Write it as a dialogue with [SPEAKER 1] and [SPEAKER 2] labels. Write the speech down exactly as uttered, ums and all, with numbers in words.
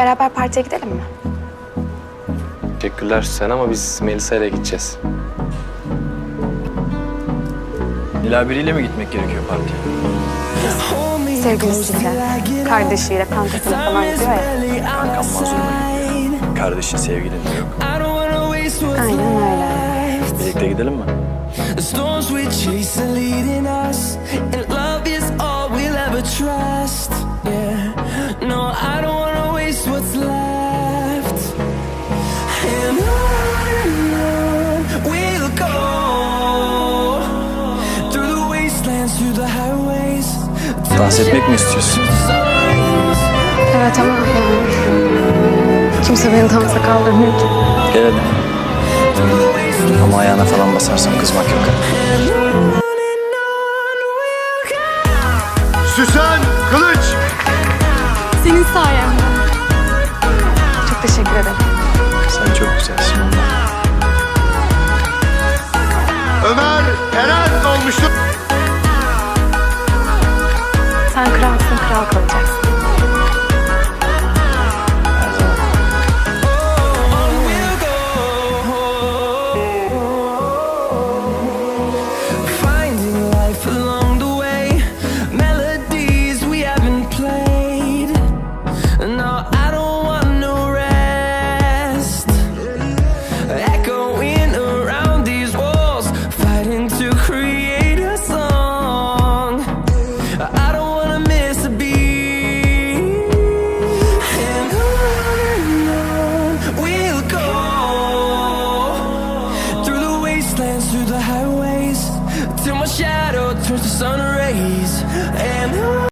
[SPEAKER 1] Beraber partiye gidelim mi?
[SPEAKER 2] Teşekkürler Süsen ama biz Melisa ile gideceğiz.
[SPEAKER 3] Nilay biriyle mi gitmek gerekiyor partiye?
[SPEAKER 1] Sevgilisiyle, kardeşiyle, kankasıyla falan gidiyor ya.
[SPEAKER 3] Kankam mazluma gidiyor. Kardeşin, sevgilin de yok.
[SPEAKER 1] Aynen öyle.
[SPEAKER 3] Birlikte gidelim mi?
[SPEAKER 4] The storms we chase are leading us, and love is all we'll ever trust. Yeah, no, I don't wanna waste what's left. And on we'll go through the wastelands, through the highways.
[SPEAKER 3] Dans etmek mi istiyorsun?
[SPEAKER 1] Evet ama yani kimse beni dansa kaldırmıyor ki.
[SPEAKER 3] Gel hadi. Ama ayağına falan basarsam kızmak yok.
[SPEAKER 5] Süsen Kılıç!
[SPEAKER 1] Senin sayende. Çok teşekkür ederim.
[SPEAKER 3] Sen çok güzelsin ondan.
[SPEAKER 5] Ömer Eren olmuştu.
[SPEAKER 1] Sen kralsın, kral kalacaksın.